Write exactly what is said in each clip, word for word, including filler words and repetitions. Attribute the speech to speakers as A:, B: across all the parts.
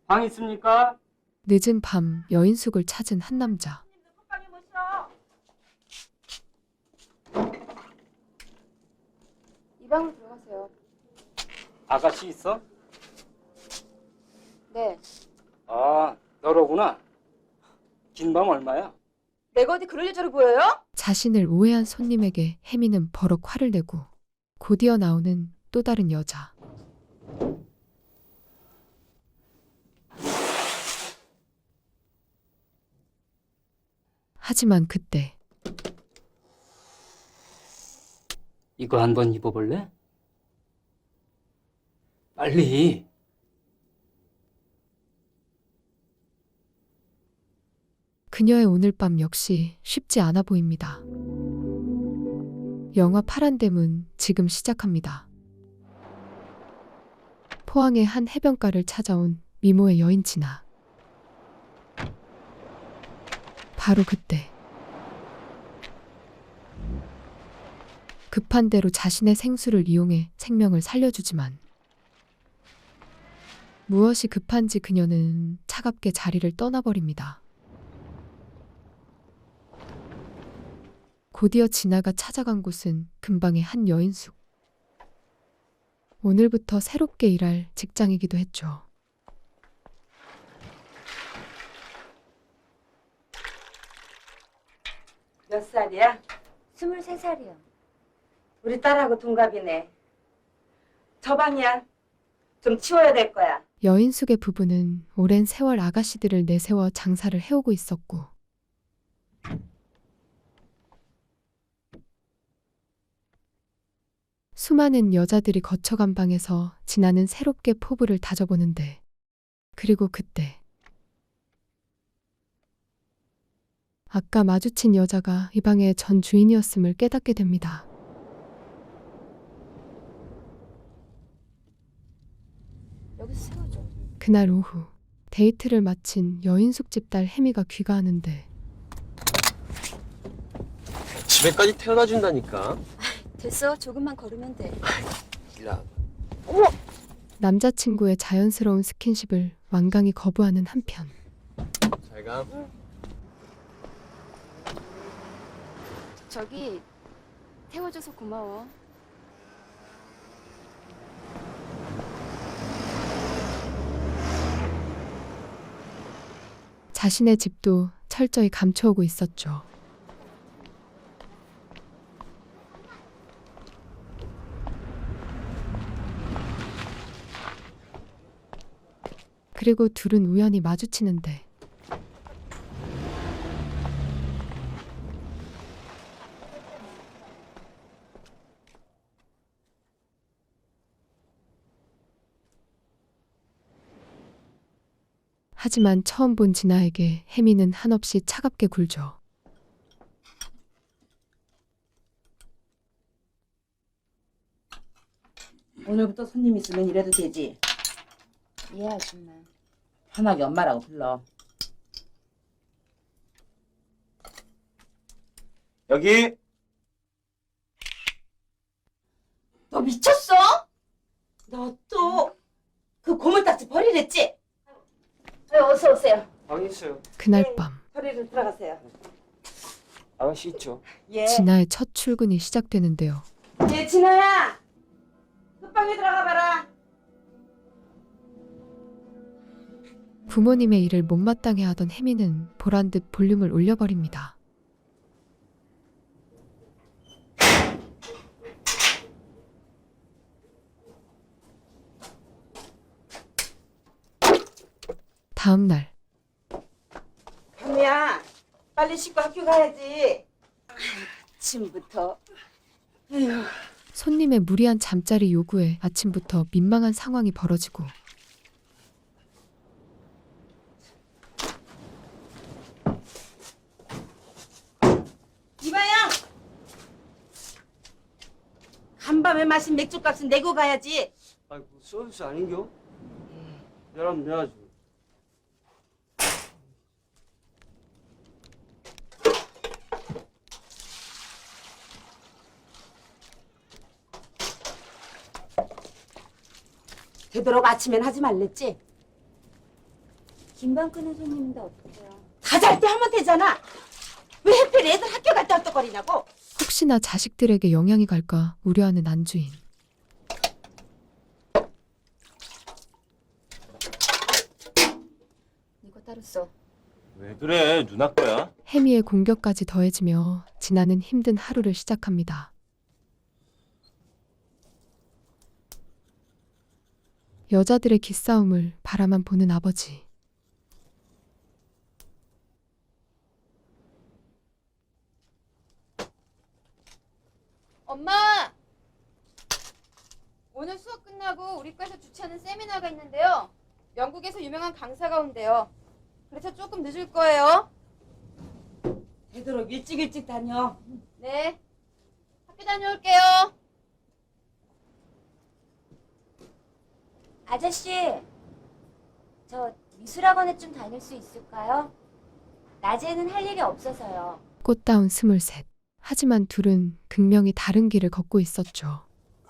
A: 방 있습니까?
B: 늦은 밤 여인숙을 찾은 한 남자.
C: 이 방으로 들어가세요.
A: 아가씨 있어?
C: 네.
A: 아, 너로구나. 긴 방 얼마야?
C: 내가 어디 그럴 여자로 보여요?
B: 자신을 오해한 손님에게 혜미는 버럭 화를 내고 곧이어 나오는 또 다른 여자. 하지만 그때
A: 이거 한번 입어볼래? 빨리.
B: 그녀의 오늘 밤 역시 쉽지 않아 보입니다. 영화 파란 대문 지금 시작합니다. 포항의 한 해변가를 찾아온 미모의 여인 진아. 바로 그때 급한 대로 자신의 생수를 이용해 생명을 살려주지만 무엇이 급한지 그녀는 차갑게 자리를 떠나버립니다. 곧이어 진아가 찾아간 곳은 근방의 한 여인숙. 오늘부터 새롭게 일할 직장이기도 했죠.
D: 몇 살이야?
C: 스물세 살이요.
D: 우리 딸하고 동갑이네. 저 방이야. 좀 치워야 될 거야.
B: 여인숙의 부부는 오랜 세월 아가씨들을 내세워 장사를 해오고 있었고 수많은 여자들이 거쳐간 방에서 진아는 새롭게 포부를 다져보는데 그리고 그때 아까 마주친 여자가 이 방의 전 주인이었음을 깨닫게 됩니다.
C: 여기서 세워줘.
B: 그날 오후 데이트를 마친 여인숙 집 딸 혜미가 귀가하는데
E: 집에까지 태워다 준다니까.
C: 됐어. 조금만 걸으면 돼.
E: 야,
B: 남자친구의 자연스러운 스킨십을 완강히 거부하는 한편
E: 잘 가.
C: 저기 태워줘서 고마워.
B: 자신의 집도 철저히 감춰오고 있었죠. 그리고 둘은 우연히 마주치는데 하지만 처음 본 진아에게 혜미는 한없이 차갑게 굴죠.
D: 오늘부터 손님 있으면 이래도 되지.
C: 예, 아줌마.
D: 편하게 엄마라고 불러.
E: 여기.
D: 너 미쳤어? 너 또 그 고물딱지 버리랬지? 네, 어서 오세요.
E: 방 있어요.
B: 그날 밤
D: 버리러 들어가세요.
E: 아가씨 있죠.
D: 예.
B: 진아의 첫 출근이 시작되는데요.
D: 예, 진아야. 그 방에 들어가 봐라.
B: 부모님의 일을 못마땅해 하던 혜미는 보란듯 볼륨을 올려버립니다. 다음 날
D: 현미야, 빨리 씻고 학교 가야지. 아침부터. 에휴.
B: 손님의 무리한 잠자리 요구에 아침부터 민망한 상황이 벌어지고
D: 이봐요. 간밤에 마신 맥주값은 내고 가야지.
E: 아이고 서비스 아닌겨? 내라면 내야지.
D: 되도록 아침엔 하지 말랬지?
C: 긴밤 끄는 손님인데 어떡해요?
D: 다 잘 때 하면 되잖아. 왜 하필 애들 학교 갔다 헐떡거리냐고.
B: 혹시나 자식들에게 영향이 갈까 우려하는 안주인.
C: 이거 따로 써.
E: 왜 그래? 누나 거야?
B: 혜미의 공격까지 더해지며 진아는 힘든 하루를 시작합니다. 여자들의 기싸움을 바라만 보는 아버지.
C: 엄마! 오늘 수업 끝나고 우리 과에서 주최하는 세미나가 있는데요. 영국에서 유명한 강사가 온대요. 그래서 조금 늦을 거예요.
D: 되도록 일찍 일찍 다녀.
C: 네. 학교 다녀올게요. 아저씨, 저 미술학원에 좀 다닐 수 있을까요? 낮에는 할 일이 없어서요.
B: 꽃다운 스물셋. 하지만 둘은 극명히 다른 길을 걷고 있었죠.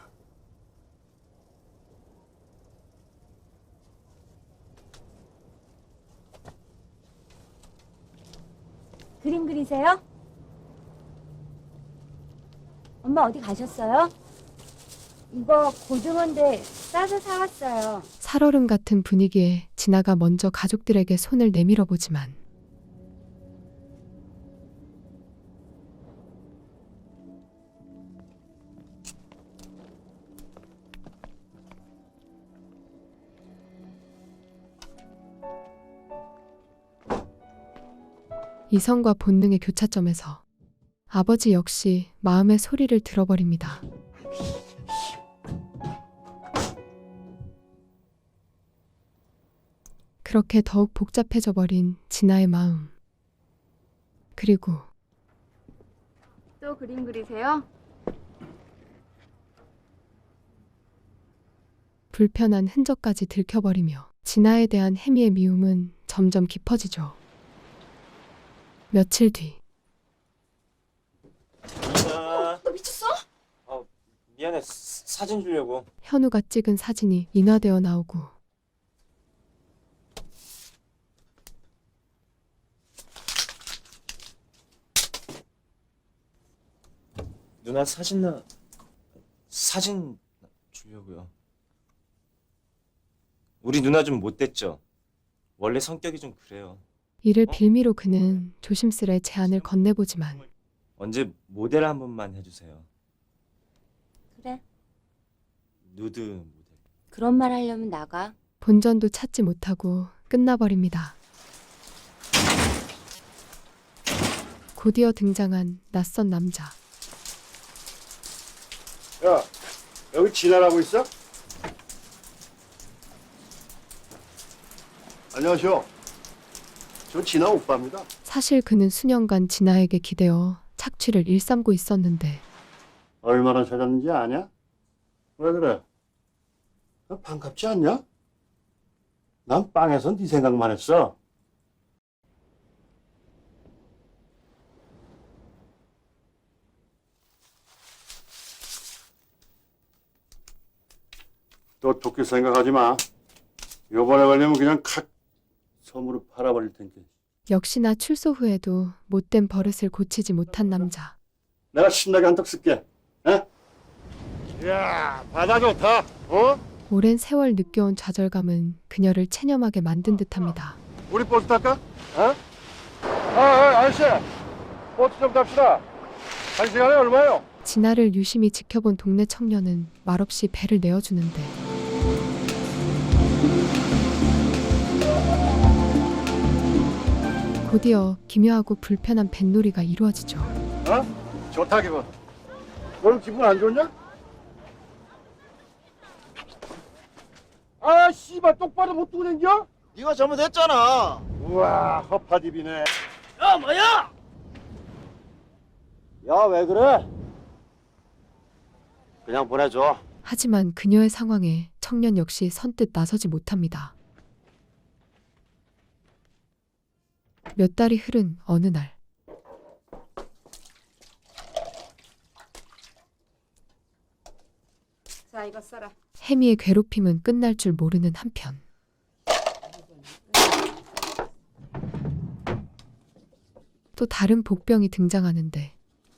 C: 그림 그리세요? 엄마 어디 가셨어요? 이거 고등어인데 싸서 사왔어요.
B: 살얼음 같은 분위기에 진아가 먼저 가족들에게 손을 내밀어 보지만 이성과 본능의 교차점에서 아버지 역시 마음의 소리를 들어버립니다. 그렇게 더욱 복잡해져 버린 진아의 마음. 그리고
C: 또 그림 그리세요?
B: 불편한 흔적까지 들켜버리며 진아에 대한 혜미의 미움은 점점 깊어지죠. 며칠 뒤
E: 누나.
C: 너 미쳤어?
E: 어, 미안해. 사- 사진 주려고.
B: 현우가 찍은 사진이 인화되어 나오고
E: 누나 사진 나 사진 주려고요. 우리 누나 좀 못됐죠? 원래 성격이 좀 그래요.
B: 이를
E: 어?
B: 빌미로 그는 조심스레 제안을 건네보지만
E: 언제 모델 한 번만 해주세요.
C: 그래.
E: 누드 모델.
C: 그런 말 하려면 나가.
B: 본전도 찾지 못하고 끝나버립니다. 곧이어 등장한 낯선 남자.
F: 야, 여기 진아라고 있어? 안녕하세요. 저 진아 오빠입니다.
B: 사실 그는 수년간 진아에게 기대어 착취를 일삼고 있었는데
F: 얼마나 찾았는지 아냐? 왜 그래? 너 반갑지 않냐? 난 빵에선 네 생각만 했어. 또 도끼 생각하지 마. 요번에 걸리면 그냥 칵 섬으로 팔아버릴 텐데.
B: 역시나 출소 후에도 못된 버릇을 고치지 못한 남자.
F: 내가 신나게 한턱 쓸게. 에? 이야, 바다 좋다. 어?
B: 오랜 세월 느껴온 좌절감은 그녀를 체념하게 만든 듯합니다.
F: 우리 버스 탈까? 어? 아, 아, 아저씨. 버스 좀 탑시다. 한 시간에 얼마요?
B: 진아를 유심히 지켜본 동네 청년은 말없이 배를 내어주는데 곧이어 기묘하고 불편한 뱃놀이가 이루어지죠.
F: 어? 좋다 기분. 너는 기분 안 좋냐? 아, 씨발 똑바로 못 두고 댕겨?
G: 네가 잘못했잖아.
F: 우와, 허파디비네.
G: 야, 뭐야? 야, 왜 그래? 그냥 보내줘.
B: 하지만 그녀의 상황에 청년 역시 선뜻 나서지 못합니다. 몇 달이 흐른 어느 날
D: 자, 이거 써라.
B: 혜미의 괴롭힘은 끝날 줄 모르는 한편 또 다른 복병이 등장하는데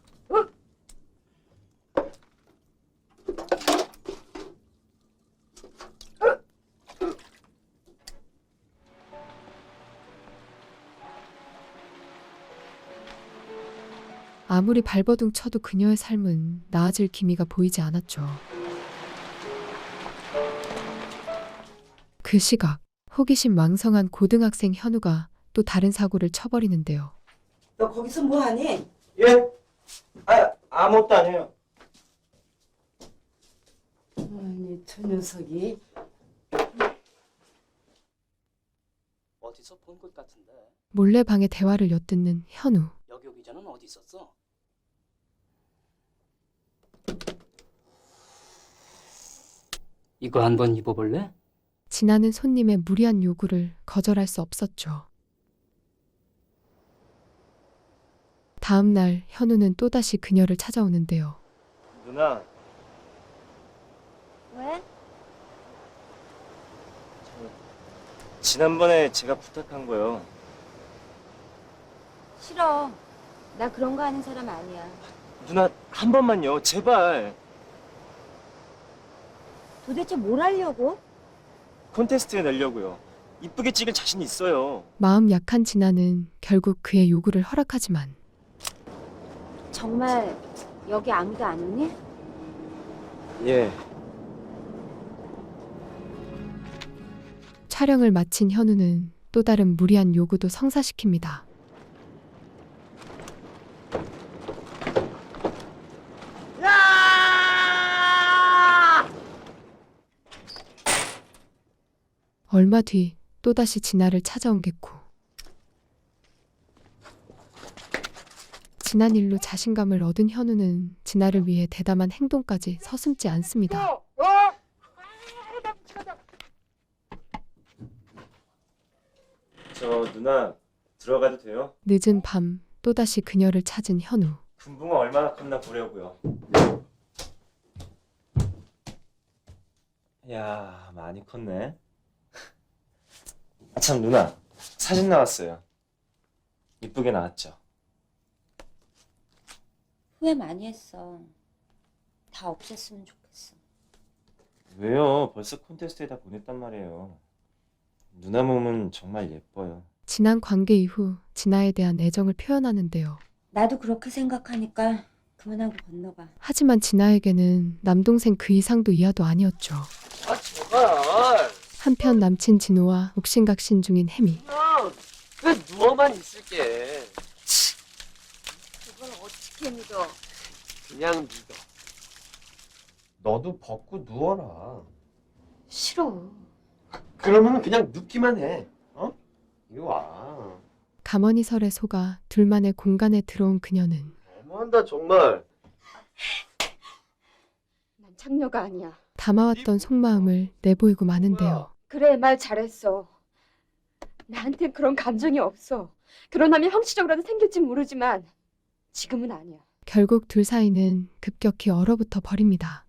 B: 아무리 발버둥 쳐도 그녀의 삶은 나아질 기미가 보이지 않았죠. 그 시각 호기심 왕성한 고등학생 현우가 또 다른 사고를 쳐버리는데요.
D: 너 거기서 뭐하니?
G: 예? 아, 아무것도 아니에요.
D: 아니 저 녀석이
A: 어디서 본 것 같은데.
B: 몰래 방의 대화를 엿듣는 현우.
A: 여기 오기 전엔 어디 있었어? 이거 한번 입어볼래?
B: 지나는 손님의 무리한 요구를 거절할 수 없었죠. 다음 날 현우는 또다시 그녀를 찾아오는데요.
E: 누나,
C: 왜?
E: 지난번에 제가 부탁한 거요.
C: 싫어. 나 그런 거 하는 사람 아니야.
E: 누나, 한 번만요. 제발.
C: 도대체 뭘 하려고?
E: 콘테스트에 내려고요. 이쁘게 찍을 자신 있어요.
B: 마음 약한 진아는 결국 그의 요구를 허락하지만
C: 정말 여기 아무도 안 오니?
E: 예.
B: 촬영을 마친 현우는 또 다른 무리한 요구도 성사시킵니다. 얼마 뒤 또다시 진아를 찾아온 개코. 지난 일로 자신감을 얻은 현우는 진아를 위해 대담한 행동까지 서슴지 않습니다.
E: 저 누나, 들어가도 돼요?
B: 늦은 밤 또다시 그녀를 찾은 현우.
E: 금붕어 얼마나 컸나 보려고요. 야, 많이 컸네. 아, 참 누나, 사진 나왔어요. 이쁘게 나왔죠?
C: 후회 많이 했어. 다 없앴으면 좋겠어.
E: 왜요? 벌써 콘테스트에다 보냈단 말이에요. 누나 몸은 정말 예뻐요.
B: 지난 관계 이후 진아에 대한 애정을 표현하는데요.
C: 나도 그렇게 생각하니까 그만하고 건너가.
B: 하지만 진아에게는 남동생 그 이상도 이하도 아니었죠.
F: 아 제발.
B: 한편 남친 진호와 옥신각신 중인 혜미.
F: 그냥 그냥 누워만 있을게.
C: 그걸 어떻게 믿어?
F: 그냥 믿어. 너도 벗고 누워라.
C: 싫어.
F: 그러면 그냥 눕기만 해. 어? 이리 와.
B: 가머니설에 속아 둘만의 공간에 들어온 그녀는
F: 너무한다 정말.
C: 난 창녀가 아니야.
B: 담아왔던 속마음을 내보이고 마는데요.
C: 그래, 말 잘했어. 나한텐 그런 감정이 없어. 결혼하면 형식적으로는 생길진 모르지만 지금은 아니야.
B: 결국 둘 사이는 급격히 얼어붙어 버립니다.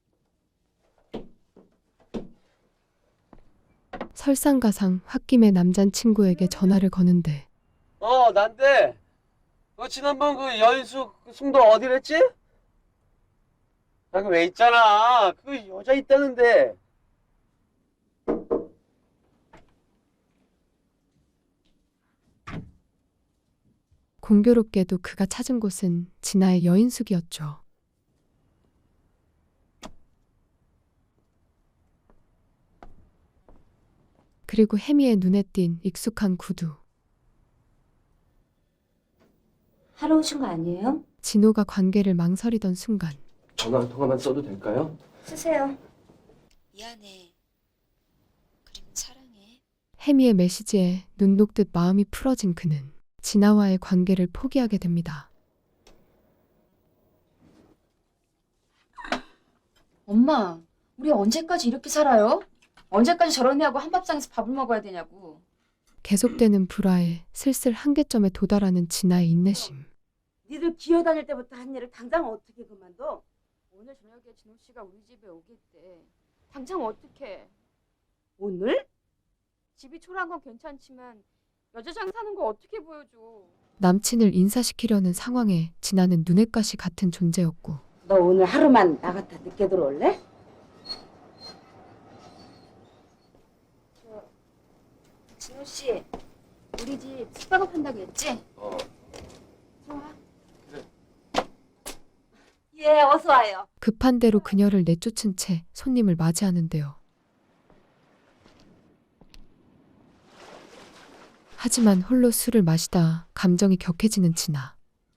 B: 설상가상 홧김에 남잔친구에게 전화를 거는데
F: 어 난데. 너 지난번 그 여인숙 송도 어디랬지? 나 그 왜 있잖아. 그 여자 있다는데.
B: 공교롭게도 그가 찾은 곳은 진아의 여인숙이었죠. 그리고 혜미의 눈에 띈 익숙한 구두.
C: 하러 오신 거 아니에요?
B: 진호가 관계를 망설이던 순간
F: 전화 한 통화만 써도 될까요?
C: 쓰세요. 미안해. 그리고 사랑해.
B: 혜미의 메시지에 눈 녹듯 마음이 풀어진 그는 진아와의 관계를 포기하게 됩니다.
C: 엄마, 우리 언제까지 이렇게 살아요? 언제까지 저런 애하고 한밥상에서 밥을 먹어야 되냐고.
B: 계속되는 불화에 슬슬 한계점에 도달하는 진아의 인내심.
D: 니들 기어다닐 때부터 한 일을 당장 어떻게 그만둬?
C: 오늘 저녁에 진호 씨가 우리 집에 오겠대. 당장 어떡해.
D: 오늘?
C: 집이 초라한 건 괜찮지만 여자장 사는 거 어떻게 보여줘.
B: 남친을 인사시키려는 상황에 진아는 눈엣 가시 같은 존재였고
D: 너 오늘 하루만 나갔다 늦게 들어올래?
C: 진호 씨, 우리 집 숙박업 한다고 했지?
F: 어.
C: 좋아.
D: 예, 어서 와요.
B: 급한 대로 그녀를 내쫓은 채 손님을 맞이하는데요. 하지만 홀로 술을 마시다 감정이 격해지는 진아.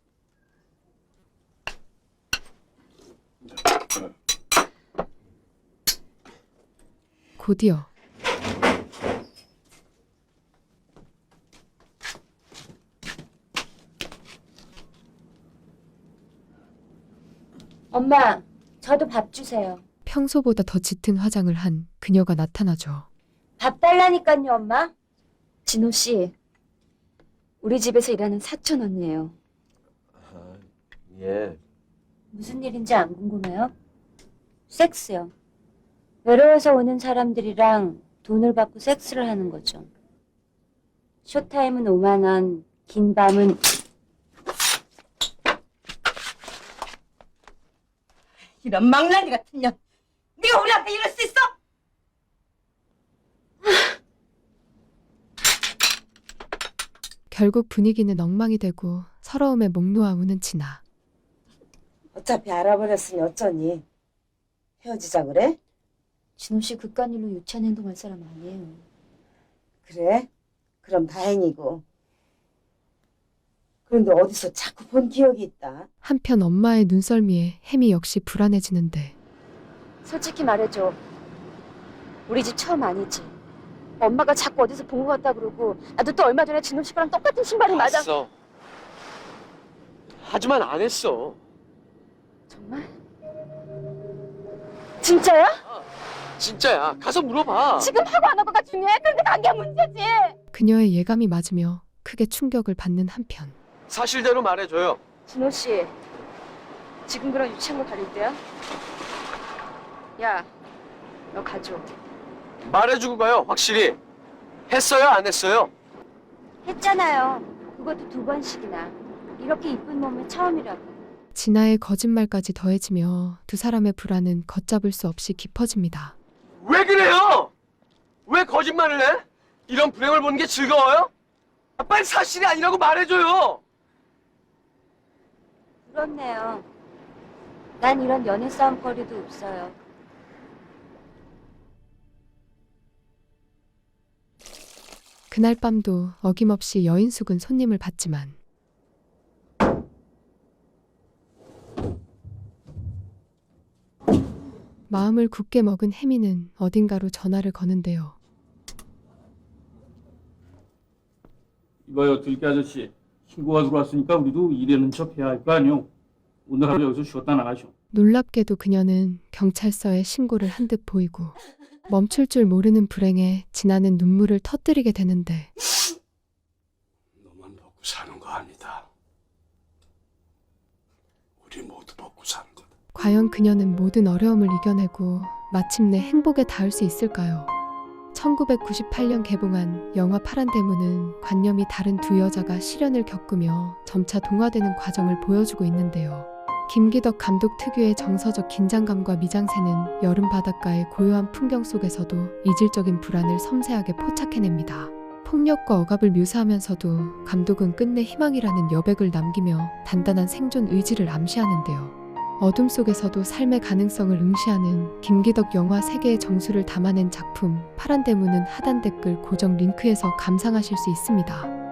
B: 곧이어
C: 엄마, 저도 밥 주세요.
B: 평소보다 더 짙은 화장을 한 그녀가 나타나죠.
C: 밥 달라니까요, 엄마. 진호 씨, 우리 집에서 일하는 사촌 언니예요.
F: 아, 예.
C: 무슨 일인지 안 궁금해요? 섹스요. 외로워서 오는 사람들이랑 돈을 받고 섹스를 하는 거죠. 쇼타임은 오만 원, 긴 밤은
D: 이런 망나니 같은 년. 네가 우리 앞에 이럴 수 있어?
B: 결국 분위기는 엉망이 되고 서러움에 목 놓아 우는 진아.
D: 어차피 알아버렸으니 어쩌니. 헤어지자 그래?
C: 진호 씨 그깟 일로 유치한 행동할 사람 아니에요.
D: 그래? 그럼 다행이고. 그런데 어디서 자꾸 본 기억이 있다.
B: 한편 엄마의 눈썰미에 혜미 역시 불안해지는데
C: 솔직히 말해줘. 우리 집 처음 아니지? 엄마가 자꾸 어디서 본 것 같다 그러고 나도 또 얼마 전에 진호 씨 거랑 똑같은 신발이 맞아.
H: 봤어. 하지만 안 했어.
C: 정말? 진짜야?
H: 진짜야. 가서 물어봐.
C: 지금 하고 안 하고가 중요해? 근데 관계 문제지.
B: 그녀의 예감이 맞으며 크게 충격을 받는 한편
H: 사실대로 말해줘요.
C: 진호 씨, 지금 그런 유치한 거 가릴 때야? 야, 너 가줘.
H: 말해주고 가요. 확실히. 했어요? 안 했어요?
C: 했잖아요. 그것도 두 번씩이나. 이렇게 이쁜 몸은 처음이라고.
B: 진아의 거짓말까지 더해지며 두 사람의 불안은 걷잡을 수 없이 깊어집니다.
H: 왜 그래요? 왜 거짓말을 해? 이런 불행을 보는 게 즐거워요? 아, 빨리 사실이 아니라고 말해줘요.
C: 부럽네요. 난 이런 연애 싸움거리도 없어요.
B: 그날 밤도 어김없이 여인숙은 손님을 받지만 마음을 굳게 먹은 혜미는 어딘가로 전화를 거는데요.
I: 이봐요, 들깨 아저씨. 신고가 들어왔으니까 우리도 일하는 척 해야 할 거 아니오. 오늘 하루 여기서 쉬었다 나가쇼.
B: 놀랍게도 그녀는 경찰서에 신고를 한 듯 보이고 멈출 줄 모르는 불행에 진아는 눈물을 터뜨리게 되는데
F: 너만 먹고 사는 거 아니다. 우리 모두 먹고 사는 거다.
B: 과연 그녀는 모든 어려움을 이겨내고 마침내 행복에 닿을 수 있을까요? 천구백구십팔 년 개봉한 영화 파란 대문은 관념이 다른 두 여자가 시련을 겪으며 점차 동화되는 과정을 보여주고 있는데요. 김기덕 감독 특유의 정서적 긴장감과 미장센은 여름 바닷가의 고요한 풍경 속에서도 이질적인 불안을 섬세하게 포착해냅니다. 폭력과 억압을 묘사하면서도 감독은 끝내 희망이라는 여백을 남기며 단단한 생존 의지를 암시하는데요. 어둠 속에서도 삶의 가능성을 응시하는 김기덕 영화 세계의 정수를 담아낸 작품 파란 대문은 하단 댓글 고정 링크에서 감상하실 수 있습니다.